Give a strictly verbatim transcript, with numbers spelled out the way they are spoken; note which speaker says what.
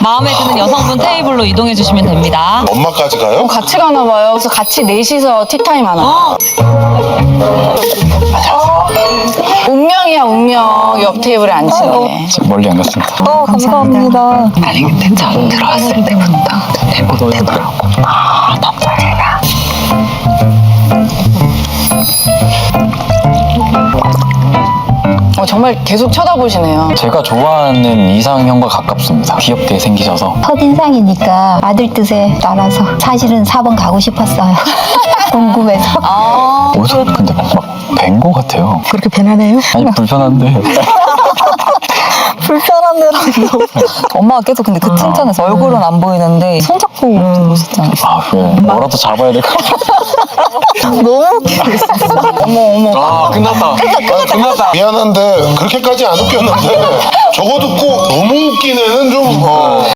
Speaker 1: 마음에 드는 여성분 테이블로 이동해 주시면 됩니다.
Speaker 2: 엄마까지 가요?
Speaker 3: 같이 가나 봐요. 그래서 같이 넷이서 티타임 하나.
Speaker 1: 어.
Speaker 3: 운명이야 운명. 옆 테이블에 앉히는 게.
Speaker 4: 멀리 안 갔습니다.
Speaker 5: 어, 감사합니다.
Speaker 3: 아니 근데 처음 들어왔을 때부터 내 못되더라고. 아 너무 잘해라. 어, 정말 계속 쳐다보시네요.
Speaker 4: 제가 좋아하는 이상형과 가깝습니다. 귀엽게 생기셔서.
Speaker 5: 첫인상이니까 아들 뜻에 따라서 사실은 사 번 가고 싶었어요. 궁금해서.
Speaker 3: 아
Speaker 4: 어디서 근데 막뵌거 같아요.
Speaker 5: 그렇게 편하네요?
Speaker 4: 아니 불편한데.
Speaker 5: 불편하느라고. 엄마가 계속 근데 그 칭찬에서 얼굴은 안 보이는데 손잡고 들어오셨잖아요.
Speaker 4: 아 그래. 뭐라도 잡아야 될 것 같아.
Speaker 5: 너무 웃기고 있었어.
Speaker 3: 어머 어머.
Speaker 4: 아 끝났다. 아, 끝났다.
Speaker 2: 미안한데 그렇게까지 안 웃겼는데 저거 듣고 너무 웃긴 애는 좀 어.